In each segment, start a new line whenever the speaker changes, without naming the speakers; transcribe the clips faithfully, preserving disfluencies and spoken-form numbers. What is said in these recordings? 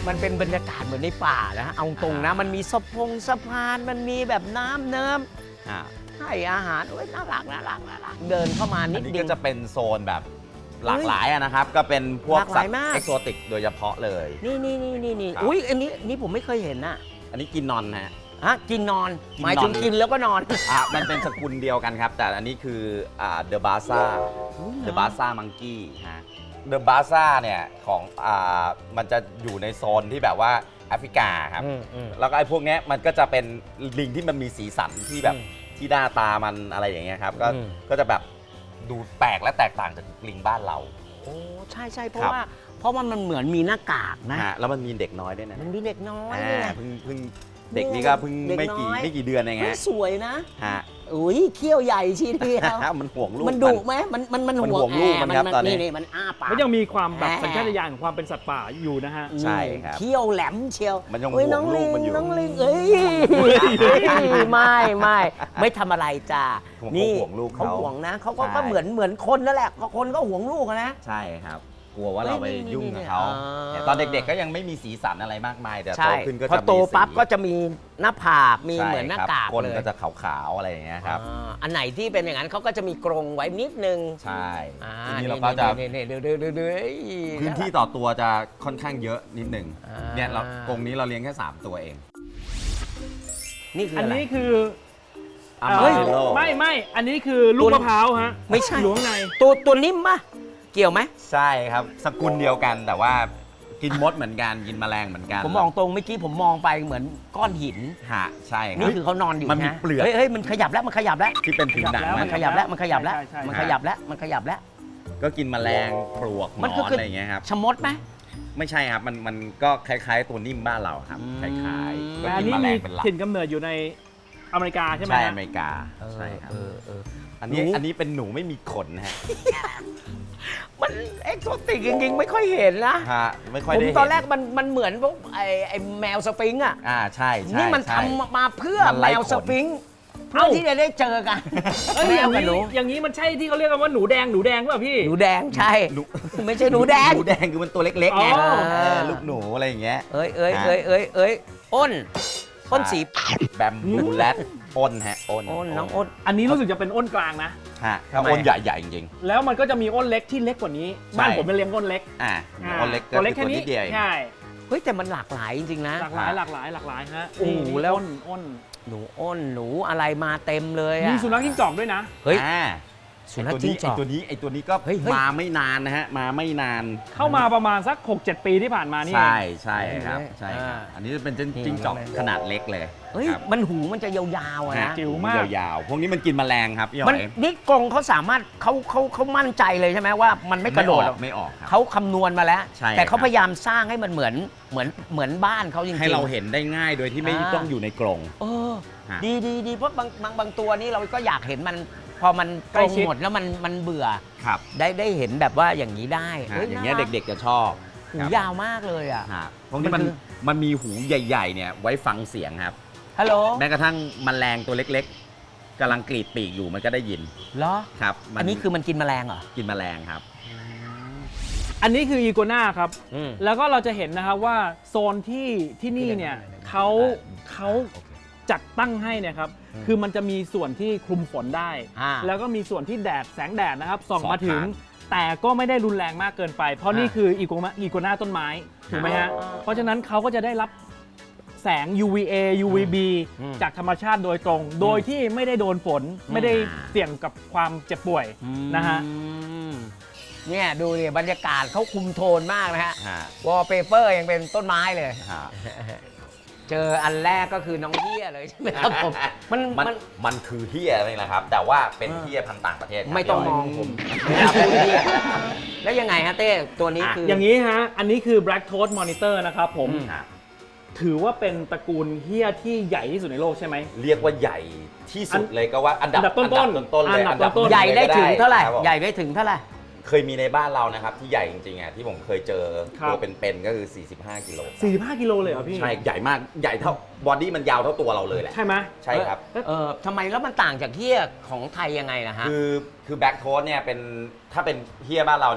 มันเป็นบรรยากาศเหมือนในป่านะเอาตรงนะมันมีสะพงสะพานมันมีแบบน้ำเนิมให้อาหารโอ้ยน่ารักน่ารักน่ารักเดินเข้ามานิด
อัน
เดี
นี้
ยว
ก็จะเป็นโซนแบบหลากหลายอะนะครับก็เป็นพวก
หลากห
สั
ลา
ต
ย
ว์
มาก
เอกโซติกโดยเฉพาะเลย
นี่นี่นี่นี่นี่
ครับ
อุ้ยอันนี้นี่ผมไม่เคยเห็นน่ะ
อันนี้กินนอนฮะ
ฮะกินนอน
กินนอน
หมายถึงกินแล้วก็นอน
อ่ะมันเป็นสกุลเดียวกันครับ แต่อันนี้คืออ่าเดอะบาซ่าเดอะบาซ่ามังกี้ฮะเดอะบาซ่าเนี่ยของอ่ามันจะอยู่ในโซนที่แบบว่าแอฟริกาครับ
อืมอืม
แล้วก็ไอ้พวกเนี้ยมันก็จะเป็นลิงที่มันมีสีสันที่แบบ
อืม
ที่หน้าตามันอะไรอย่างเงี้ยครับก็
อืม
ก็จะแบบดูแปลกและแตกต่างจากลิงบ้านเรา
โอ้ใช่ใช่เพ
ครั
ราะ
บ
ว่าเพราะว่ามันเหมือนมีหน้ากากนะ
ฮะแล้วมันมีเด็กน้อยด้วยนะ
มันมีเด็กน้อย
อ่า
นี่ไง
เพิ่งเพิ่งเด็กนี่ก็เพิ่ง
เด็ก
ไม่กี่
น้อย
ไม่กี่เดือนเอง
เฮ้ย
ฮะ
สวยนะ
ฮะ
อุ้ยเขี้ยวใหญ่ชีเดียว
มันห่วงลูก
มันดุไหมมันมันมัน
มัน
ห่ว
ห่วงลูก
แ
มันครับตอนนี้
นี่มันอ้าปาก
มันยังมีความแบบ
แหม
สัญชาตญาณของความเป็นสัตว์ป่าอยู่นะฮะ
ใช่ครับ
เขี้ยวแหลมเชียว
มันยัง
เอ้ย
ห่วง
น้อง
ลู
ลิ
ก
ง
มันอยู่
น้องลิงเอ้ยไม่ไม่ไม่ทำอะไรจ้า
เขา
นี่
ห่วงลูก
เขา
เขา
ห่วงนะเขาก็
ใช่
ก็เหมือนเหมือนคนนั่นแหละก็คนก็ห่วงลูกอะนะ
ใช่ครับ กลัวว่าเราไป
เฮ้ยนี่
ยุ่ง
นี่
กับเขา
อ่า
เนี่ยตอนเด็กๆก็ยังไม่มีสีสันอะไรมากมาย แต่โต
ใช่
ขึ้นก็
พอ
จะมี
โตปั๊บ
สี
ก็จะมีหน้าผากมี
ใช่
เหมือนหน้า
ครับ
กาก
ก้น
เลย
ก็จะขาวๆอะไรอย่างเงี้ยครับ
อ่าอันไหนที่เป็นอย่างนั้นเขาก็จะมีกรงไว้นิดนึง
ใช่
อ่า
ทีนี้เราก็จะ
นี่นี่นี่เดือดเดือดเดือด
พื้นที่ต่อตัวจะค่อนข้างเยอะนิดหนึ่ง
อ่า
เนี่ยเรากรงนี้เราเลี้ยงแค่สามตัวเอง
นี่คือ
อัน
อะไร
นี้คือ
อา
เอ่อ
มาเมโล
ไม่ไม่อันนี้คือลูกมะพร้าวฮะ
ไม่ใช่
อยู่ข้างใน
ตัวตัวนิ่มปะเกี่ยวไหม
ใช่ครับสกุลเดียวกันแต่ว่ากินมดเหมือนกันกินแมลงเหมือนกัน
ผมมองตรงเมื่อกี้ผมมองไปเหมือนก้อนหิน
ฮะใช่ครั
นี่
บ
คือเขานอนอยู่
มันมี
นะ
เปลือก
เฮ้ยเฮ้ยมันขยับแล้วมันขยับแล้ว
ที่เป็นผิวหนัง
แล้ว
มันขยับแล้วมันขยับแล้ว
ใช่ใช่ใช่
มันขยับแล้วมันขยับแล้ว
ก็กินแมลงปลวกหน
มัน
อ
ก็
น
คืออ
อะไรอย่างเงี้ยครับ
ชะมดไหม
ไม่ใช่ครับมันมันก็คล้ายๆตัวนิ่มบ้านเราครับ
อืม
คล้ายๆก็
แต่อัน
กิน
นี้
แมล
มี
งเป็นหลัก
ถิ่นกำเนิดอยู่ในอเมริกาใช่ไหม
ใช่
ฮะ
อเมริกาใช่ครับ
เออเออ
อันนี้
หนู
อันนี้เป็นหนูไม่มีขนนะฮะ
มันเอ็กโซติกจริงๆไม่ค่อยเห็นนะ
ฮะไม่ค่อย
ผม
ได้เห็น
ตอนแรกมันมันเหมือนพวกไอไอแมวสฟิงค์อ่ะ
อ่าใช่ใช่
นี่มัน
ใช่
ทำมาเพื่อ
มัน
แม
ไร้
ว
ขน
สฟิงค์เพื่อที่จะได้เจอกัน
เอ้ย
แม
อย่าว ง
กับ
นี้
หนู
อย่างนี้มันใช่ที่เขาเรียกกันว่าหนูแดงหนูแดงหรือเปล่าพี่
หนูแดงใช่
หนู
ไม่ใช่หนูแดง
หนูแดงคือมันตัวเล็กๆไง
อ๋อ
เออลูกหนูอะไรอย่างเงี้ย
เอ้ยเอ้ย
ฮะ
เอ้ยเอ้ยเอ้ยอ้นอ้นสี
แบมบูแรดอ้นฮะอ้น
อ้นน้องอ้น
อันนี้รู้สึกจะเป็นอ้นกลางนะ
ฮะ
ทำไม
อ้นใหญ่ๆจริง
แล้วมันก็จะมีอ้นเล็กที่เล็กกว่านี้
ใช่
บ้านผมเป็นเลี้ยงอ้นเล็ก
ๆอ่า
า
อ้นเล็กก็
ตัวเล็ก
คือ
แค่
ตัว
นี้
นิดเดียวเอง
ใช่
เฮ้ยแต่มันหลากหลายจริงๆนะ
หลากหลายหลากหลายหลากหลายฮะ
โอ้โห
นี่
แล้ว
อ้นอ้น
หนูอ้นหนูอะไรมาเต็มเลย
มี
อะ
สุนัขจิ้งจอกด้วยนะ
เฮ้ย
อ่า
สุนัข
ไอ้ตัว
จิ้
นี้
งจ
ไอ
อก
ตัวนี้ไอตัวนี้ก็
เฮ้ยเฮ้ย
มาไม่นานนะฮะมาไม่นาน
เข้ามาประมาณสัก หกเจ็ด ปีที่ผ่านมานี่เอ
ใช่
ง
ใช่ครับ
เห็นไหม
ใช่ครับ
อ่า
อันนี้เป็นจิ้ง
นี่
จิ้งจอก
เลย
ขนาดเล็กเลย
เฮ้ย
ครับ
มันหูมันจะยาวๆอะ
ฮะ
นะ
จิ๋วมาก
ยาวๆพวกนี้มันกินแมลงครับพี่ห
มัน
อย
นี่กรงเขาสามารถเขาเขาเขามั่นใจเลยใช่ไหมว่ามันไม่กระโดดหรอก
ไม่ออกครับ
เขาคำนวณมาแล้ว
ใช่
แต่เขา
ครับ
พยายามสร้างให้มันเหมือนเหมือนเหมือนบ้านเขาจริงๆ
ให้เราเห็นได้ง่ายโดยที่ไม่
อ่า
ต้องอยู่ในกรง
เออ
ฮะ
ดีดีดีเพราะบางบางบางตัวนี่เราก็อยากเห็นมัน พอมัน
ใก
ก
ล้
รง
ชิด
หมดแล้วมันมันเบื่อ
ครับ
ได้ได้เห็นแบบว่าอย่างนี้ได้
ฮะ
ฮ้
อย่างเงี้ย
น่รั
เด็กๆจะชอบ
หู
ครับ
ยาวมากเลยอ่ะ
ฮะพวกนี้
มั
มัน น
คือ
มันมีหูใหญ่ๆเนี่ยไว้ฟังเสียงครับ
ฮัลโหล
แม้กระทั่งแมลงตัวเล็กๆกำลังกรีดปีกอยู่มันก็ได้ยิน
เหรอ
ครับมั
อันนี้คือมันกินแมลงเหรอ
กินแมลงครับ
อันนี้คืออีโกนาครับ
อืม
แล้วก็เราจะเห็นนะครับว่าโซนที่ที่นี่เนี่ยเขาเขาจัดตั้งให้เนี่ยครับ
อืม
คือมันจะมีส่วนที่คลุมฝนได้
อ่า
แล้วก็มีส่วนที่แดดแสงแดดนะครับส่อง
ส่อง
มาถึง
ผ่าน
แต่ก็ไม่ได้รุนแรงมากเกินไป เพราะ
อ่านี่
นี่คืออีโกนาอีโกนาต้นไม้ถูกไหมฮะ
อ่า
เพราะฉะนั้นเขาก็จะได้รับแสง ยู วี เอ ยู วี บี
อืม
จากธรรมชาติโดยตรง โดยที่ไม่ได้โดนฝน ไม่ได้เสี่ยงกับความเจ็บป่วยนะฮะ
อืมเนี่ยดูดิบรรยากาศเขาคุมโทนมากนะฮะ
ฮะ
วอลเปเปอร์ยังเป็นต้นไม้เลย
ฮะ
เจออันแรกก็คือน้องเฮียเลยใช่ไหมครับผม มัน
มัน
มัน
มันคือเฮียนี่แหละครับ แต่ว่าเป็นเฮียพันธุ์ต่างประเทศครับ
ไม่ต้องมองผมไม่รับพูดเฮียแล้วยังไงฮะเต้ตัวนี้คือ
อ
อย่าง
นี้ฮะ อันนี้คือ Black Toad Monitor นะครับผม
อืม
ฮะ
ถือว่าเป็นตระกูลเฮียที่ใหญ่ที่สุดในโลกใช่ไหม
เรียกว่าใหญ่ที่สุดเลยก็ว่าอันดับ
อันดับต้นๆ
อันดับต้นๆเลย
อันดับต้นๆ
นึ่
ใหญ่ได้ถึงเท่าไหร่
คบผม
ใหญ่ได้ถึงเท่าไหร่
เคยมีในบ้านเรานะครับที่ใหญ่จริงๆอ่ะที่ผมเคยเจอ
ครับ
ตัวเป็นๆก็คือ สี่สิบห้ากิโล
สี่สิบห้ากิโลเลยเหรอพี่
ใช่ใหญ่มากใหญ่เท่าบอดี้มันยาวเท่าตัวเราเลยแหละ
ใช่ไหม
ใช่ครับ
เออทำไมแล้วมันต่างจากเฮียของไทยยังไงนะฮะ
คือคือแบ็กโทสเนี่ยเป็นถ้าเป็นเฮียบ้านเราเนี่ย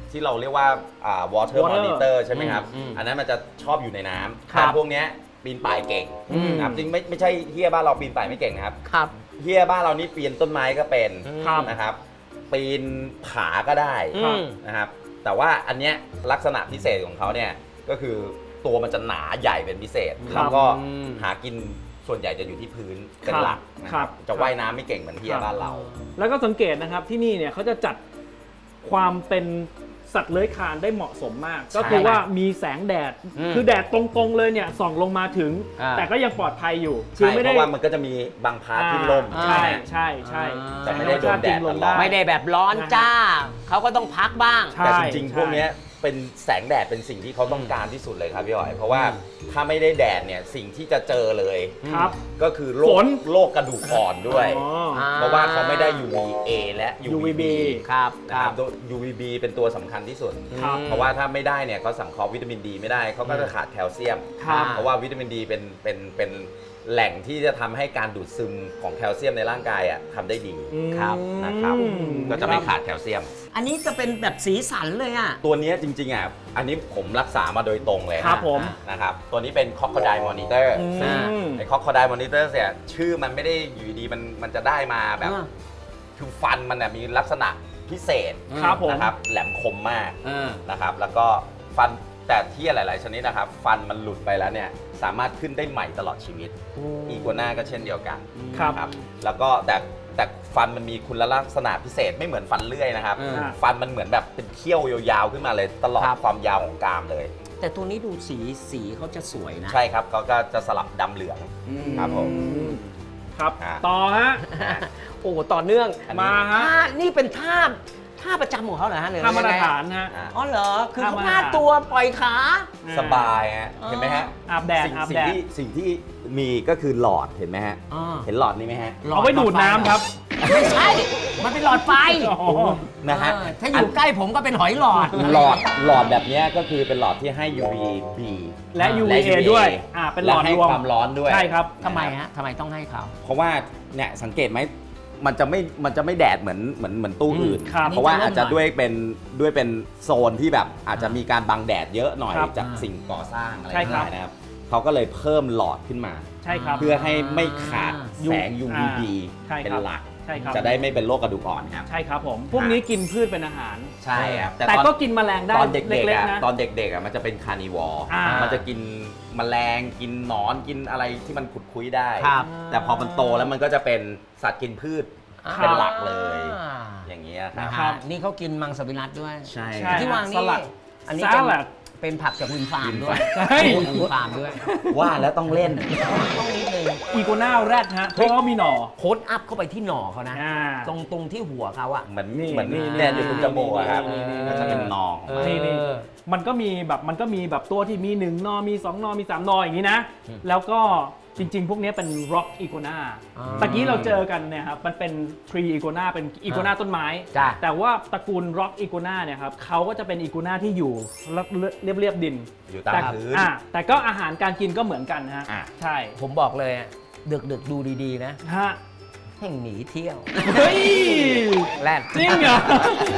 ที่เราเรียกว่าอ่า water
Water
monitor ใช่ไหมครับ
อืมอืม
อันนั้นมันจะชอบอยู่ในน้ำ
ครับ
แต่พวกเนี้ยปีนป่ายเก่ง
อืม
นะครับจริงไม่ไม่ใช่เฮียบ้านเราปีนป่ายไม่เก่งนะครับ
ครับ
เฮียบ้านเรานี่ปีนต้นไม้ก็เป็น
ครับ
นะครับ ปีนผาก็ได้
อืม
นะครับ แต่ว่าอันเนี้ยลักษณะพิเศษของเขาเนี่ยก็คือตัวมันจะหนาใหญ่เป็นพิเศษ
ครับ
แล้วก็
อืม
หากินส่วนใหญ่จะอยู่ที่พื้นเป็น
ครับ
หลักนะค
ครั
รับบ จะว่ายน้ำไม่เก่งเหมือนเฮียบ้านเรา
แล้วก็สังเกตนะครับที่นี่เนี่ยเขาจะจัดความเป็นสัตว์เลื้อยคลานได้เหมาะสมมาก ก็คือว่ามีแสงแดด
อืม
คือแดดตรงๆเลยเนี่ยส่องลงมาถึง
อ่า
แต่ก็ยังปลอดภัยอยู่
ใช่เพราะว่ามันก็จะมีบางพาร์ทที่ล่ม
อ่าใช่ใช่ใช่
แต่ไม่ได้โดนแดดตลอด
ไม่ได้แบบร้อนจ้า เขาก็ต้องพักบ้าง
ใช่
แต่จริงๆ
ใช่
พวกเนี้ยเป็นแสงแดดเป็นสิ่งที่เขาต้องการที่สุดเลยครับพี่หอย เพราะว่าถ้าไม่ได้แดดเนี่ยสิ่งที่จะเจอเลย
ครับ
ก็คือโร
ฝ
คน โรคกระดูกอ่อนด้วย
อ๋อ
เพราะว่าเขาไม่ได้ ยู วี เอ และ ยู วี บี
ครับ
นะ
ค
ค
รั
รั
บบ
ตัว ยู วี บี เป็นตัวสำคัญที่สุด
ครับ
เพราะว่าถ้าไม่ได้เนี่ยเขาสังเคราะห์วิตามินดีไม่ได้เขาก็จะขาดแคลเซียม
ครับ
เพราะว่าวิตามินดีเป็นเป็นเป็นแหล่งที่จะทำให้การดูดซึมของแคลเซียมในร่างกายอ่ะทำได้ดี
ครับ
นะครับ
อื
ก็จะไม่ขาดแคลเซียม
อันนี้จะเป็นแบบสีสันเลยอ่ะ
ตัวเนี้ยจริงๆอ่ะ อันนี้ผมรักษามาโดยตรงเลย
ครับผม
นะครับ ตัวนี้เป็น Crocodile Monitor
อืม
ซึ่งไอ้ Crocodile Monitor เนี่ยชื่อมันไม่ได้อยู่ดีมันมันจะได้มาแบบ
อ่า
คือฟันมันน่ะมีลักษณะพิเศษ
ครับผม
นะครับ แหลมคมมาก
เออ
นะครับ แล้วก็ฟันแต่ที่หลาย ๆ ชนิดนะครับ ฟันมันหลุดไปแล้วเนี่ยสามารถขึ้นได้ใหม่ตลอดชีวิต อีกัวน่าก็เช่นเดียวกัน
ครับ
นะแล้วก็แต่แต่ฟันมันมีคุณลักษณะพิเศษไม่เหมือนฟันเลื่อยนะครับ
อืม
ฟันมันเหมือนแบบเป็นเขี้ยวยาวๆขึ้นมาเลยตลอด
ครับ
ความยาวของกรามเลย
แต่ตัวนี้ดูสีสีเขาจะสวยนะ
ใช่ครับเขาก็จะสลับดำเหลือง
อืม
ครับผม
ครับ
อ่า
ต่อฮะ
โอ้ต่อเนื่อง
อันนี้
มาฮะ
ท่านี่เป็นท่าท่าประจำของเขาเหรอฮะหรือ
ท่ามาตร
ยังไง
ฐานฮะ
อ่า
อ๋อเหรอ คือเขา
ท่ามาตร
พาด
ฐาน
ตัวปล่อยขา
สบายฮะ
อ๋อ
เห็นไหมฮะ
อาบแดด
สิ่ง
อาบ
สิ่
แด
ง
ด
ที่สิ่งที่มีก็คือหลอดเห็นไหมฮะ
อ่า
เห็นหลอดนี้ไหมฮะ
เอาไว้ดูดน้ำครับ
ไม่ใช่ มันเป็นหลอดไฟ
อ๋อ
นะฮะ
เออถ้าอยู่ใกล้ผมก็เป็นหอยหลอด
หลอดหลอดแบบเนี้ยก็คือเป็นหลอดที่ให้ ยู วี บี
และ ยู วี เอ ด้วยอ่าเป็นหลอด
และให้
รวม
ความร้อนด้วย
ใช่ครับ
ทำไมฮะทำไมต้องให้เขา
เพราะว่าเนี่ยสังเกตไหมมันจะไม่มันจะไม่แดดเหมือนเหมือนเหมือนตู้อื่น
ครับ
เพราะว่าอาจจะ
นี่จะเริ่มหน่อย
ด้วยเป็นด้วยเป็นโซนที่แบบอาจจะมีการบังแดดเยอะหน่อย
ครับ
จากสิ่งก่อสร้างอะไร
ใช่ครับ
ได้นะครับเขาก็เลยเพิ่มหลอดขึ้นมา
ใช่ครับ
เพื่อให้ไม่ขาด
อ่า
แสง ยู วี บี
ใช่ครับ
เป็นหลัก
ใช่ครับ
จะได้ไม่เป็นโรคกระดูกอ่อนครับ
ใช่ครับผม พวกนี้กินพืชเป็นอาหาร
ใช่ครับ
แต่
ตอน
ก็กินแมลงได้
ตอนเด็กๆ
เล็ก
อ่ะ
ๆนะ
ตอนเด็กๆอ่ะมันจะเป็นคาร์นิวอร์
อ่ามั
มันจะกินแมลงกินหนอนกินอะไรที่มันขุดคุยได้
ครับ
แต่พอมันโตแล้วมันก็จะเป็นสัตว์กินพืช
ครับ
เป็นหลักเลย
อ่า
อย่างเงี้ยค
นะ
รับ
ฮะนี่เขากินมังสวิรัตด้วย
ใช่
ใช่
ที่วาง
ส
นี่
ลัด
อันนี้
ส
เป็น
ลัด
เป็นผักจากวินฟาร์มด้วย
เฮ้ย
วินฟาร์มด้วย
ว่าแล้วต้องเล่น
ต้องนิดนึง
อีโกน่าแรดฮะเพราะเขามีหน่อ
โค้ดอัพเข้าไปที่หน่อเขานะ
อ่า
ตรงตรงที่หัวเขาอะ
เหมือน
นี่
เหมือน
นี่
แดนอยู่ตรงจมูกอะครับ
นี่นี่
ก็จะเป็นนองออกมา
นี่นี่ มันก็มีแบบมันก็มีแบบตัวที่มีหนึ่งนอมีสองนอมีสามนออย่างนี้นะ แล้วก็จริงๆ พวกนี้เป็น rock iguana
อ่า
ตะกี้เราเจอกันเนี่ยครับมันเป็น tree iguana เป็น iguana ต้นไม้
จ้ะ
แต่ว่าตระกูล rock iguana เนี่ยครับเขาก็จะเป็น iguana ที่อยู่เรียบเรียบๆดิน
อยู่ตาม
แต่
พื้น
อ่าแต่ก็อาหารการกินก็เหมือนกันนะฮะ
อ่ะ
ใช่
ผมบอกเลยอะดึกดึกๆดูดีๆนะ
ฮะ
แห่งหนีเที่ยว
เฮ้ย
แรด
จริงเหรอ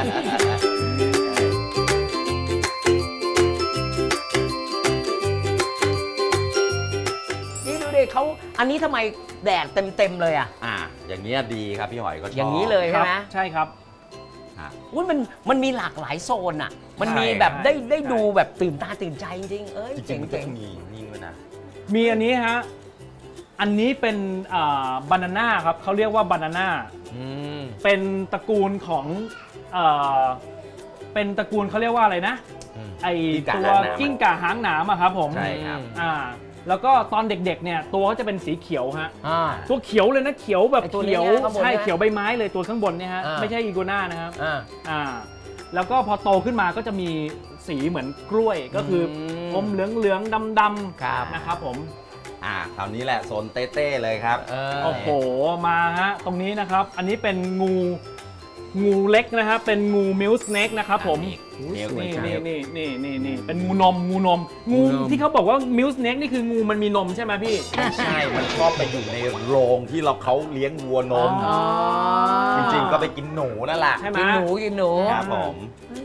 นี่ดูดิเขาอันนี้ทำไมแดดเต็มๆเลยอะ
อ่าอย่างเงี้ยดีครับพี่หอยก็ชอบ
อย่างนี้เลยใช่ไหม
ใช่ครับ
อ่ะ
อุ้ยมันมันมีหลากหลายโซนอะมัน
ใช่
มีแบบได้
ใช่
ได้ดูแบบตื่นตาตื่นใจจริงๆเอ้ย
จริ
เจ๋
ง
ง
ๆมันก็
เจ๋ง
จะมีนี่ด้วยนะ
มีอันนี้ฮะ อันนี้เป็นบานาน่าครับเขาเรียกว่าบานาน่า
อืม
เป็นตระกูลของเอ่อเป็นตระกูลเขาเรียกว่าอะไรนะ
อืม
ไอ
กิ้งก่า
ตัว
หางหนาม
กิ้งก่าหางหนามอะครับผม
ใช่ครับ
อ่าแล้วก็ตอนเด็กๆเนี่ยตัวเขาจะเป็นสีเขียวฮะ
อ่า
ตัวเขียวเลยนะเขียวแบบ
ไอ้ตัวนี้
เขียว
นะข้างบน
ใช่
นะ
เขียวใบไม้เลยตัวข้างบนเนี่ยฮะ
อ่า
ไม่ใช่อีโกน่านะครับ
อ่า
อ่าแล้วก็พอโตขึ้นมาก็จะมีสีเหมือนกล้วยก็คืออ
ม
อมเหลืองเหลืองๆดำ
ครับ
ๆนะครับผม
อ่าคราวนี้แหละโซนเต้ๆเลยครับ
เออ
โอ้โหมาฮะตรงนี้นะครับ อันนี้เป็นงูงูเล็กนะครับเป็นงูมิลสเนกนะครับผม
นี่
นี่
นี่
นี่นี่นี่นี่นี่เป็นงูนมงูนม งู
งูนม
ที่เขาบอกว่ามิลสเนกนี่คืองูมันมีนมใช่ไหมพี่
ใช่ มันชอบไปอยู่ในโรงที่เราเขาเลี้ยงวัวนม
อ๋อ
จริงๆ ก็ไปกินหนูนั่นแหละ
ใช่ไหม
กินหนูกินหนู
ครับผม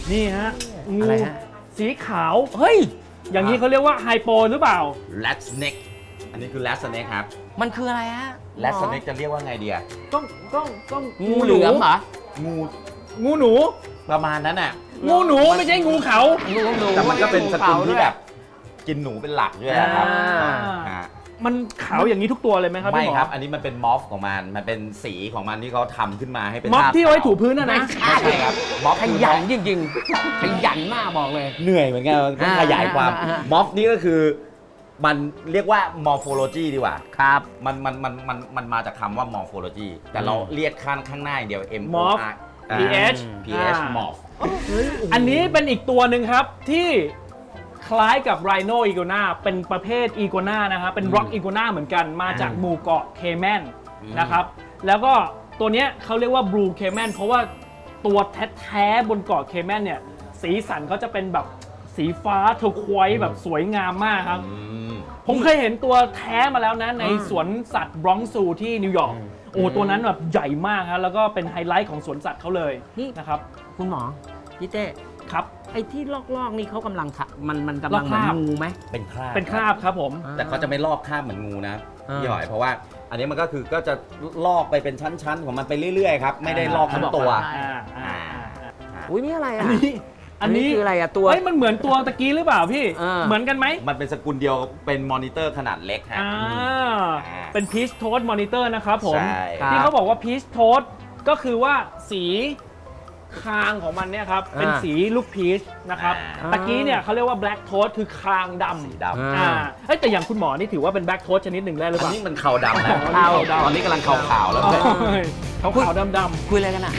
นี่ฮะงู
อะไรฮะ
สีขาว
เฮ้ย
อย่างนี้เขาเรียกว่าไฮโปหรือเปล่า
rat snake อันนี้คือ rat snake ครับ
มันคืออะไรฮะ
rat snake จะเรียกว่าไงเดีย
ต้องต้องต้อง
งูเหลือมเหรอ
งู
งูหนู
ประมาณนั้นน่ะ
งูหนูไม่ใช่งูเขา
งูหนู
แต่มันก็เป็นสกุลที่
ด้วย
แบบกินหนูเป็นหลักด้วยนะครับ
อ่า
อ่า
มันขาวอย่างนี้ทุกตัวเลยไหมครับ
ไม่
พี่หมอ
ครับ อันนี้มันเป็นมอฟของมัน มันเป็นสีของมันที่เขาทำขึ้นมาให้เป็น
ม็อบ
ภาพ
ที่เอาไว้
ขาว
ถูพื้นนะนะ
ไม่ใช่ครับม็อบ
ขยันจริงๆขยันมากบอกเลย
เหนื่อยเหมือนกันต้องขยายความ
อ่าอ่าอ่า
ม็อบนี่ก็คือมันเรียกว่า morphology ดีกว่า
ครับ
มันมันมันมันมันมาจากคำว่า morphology แต่เราเรียกข้างข้างหน้าอย่างเดียว M O
morph
R
pH
pH
อ่า
morph
อันนี้เป็นอีกตัวหนึ่งครับที่คล้ายกับไรโนอีโกนาเป็นประเภทอีโกนานะครับเป็นร็อกอีโกนาเหมือนกันมาจากหมู่เกาะเคแมนนะครับแล้วก็ตัวเนี้ยเขาเรียกว่าบลูเคแมนเพราะว่าตัวแท้ๆบนเกาะเคแมนเนี่ยสีสันเขาจะเป็นแบบสีฟ้าเทอร์ควอยซ์แบบสวยงามมากครับ
อืม
ผมเคยเห็นตัวแท้มาแล้วนะใน
อืม
สวนสัตว์บรองซ์ซูที่นิวยอร์กโอ้ตัวนั้นแบบใหญ่มากครับแล้วก็เป็นไฮไลท์ของสวนสัตว์เขาเลยนะครับ
คุณหมอพี่เต้
ครับ
ไอ้ที่ลอกๆนี่เขากำลังทำมันมันกำลัง
ลอก
เหมือน
คราบ
งูไหม
เป็นคราบ
เป็นคราบครับผม
แต่เขาจะไม่ลอกคราบเหมือนงูนะ
อ่า
พี่หอยเพราะว่าอันนี้มันก็คือก็จะลอกไปเป็นชั้นๆ ของมันไปเรื่อยๆครับไม่ได้ลอกทั้งตัว
อ่าอ่า
อุ้ยนี่อะไร
อั
อ่ะ
นนี้อันนี้
คืออะไรอ่ะตัว
เฮ้ยมันเหมือนตัวตะกี้หรือเปล่าพี่
เออ
เหมือนกันไหม
มันเป็นสกุลเดียวเป็นมอนิเตอร์ขนาดเล็กฮะ
อ่า
อ่า
เป็นพีชโทสมอนิเตอร์นะครับผม
ใช่
ครับ
ที่เขาบอกว่าพีชโทสก็คือว่าสีคางของมันเนี่ยครับ เป็นสีลูกพีชนะครับ
อ่า
ตะกี้เนี่ยเขาเรียกว่าแบล็กโทสคือคางด
สี
ำ
ดำ
อ่า
อ่าเอ้ยแต่อย่างคุณหมอนี่ถือว่าเป็นแบล็กโทสชนิดหนึ่งได้หรือ
อั
เป
น
ล่า
นี้มันขาวดำนะ
ขาวดำ
ตอนนี้กำลังขาวๆแล้ว
อ๋อ
เนี่ย
ขาวขาวดำดำ
คุยอะไรกันอ่ะ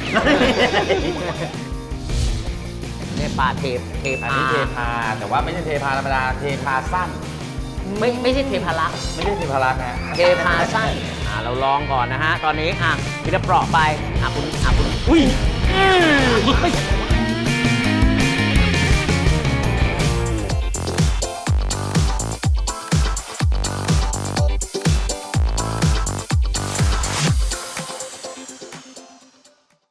เนี่ยปลาเทปเท
อัน
พา
นี้เทพาแต่ว่าไม่ใช่เทพาธรรมดาเทพาสั้น
ไม่ไม่ใช่เทพารักษ์
ไม่ใช่เทพารักษ์ฮะ
เทพาสั้นอ่าเราลองก่อนนะฮะ ตอนนี้อ่ะพี่จะเปราะไปอ่ะคุณอ่ะคุณอุ้ย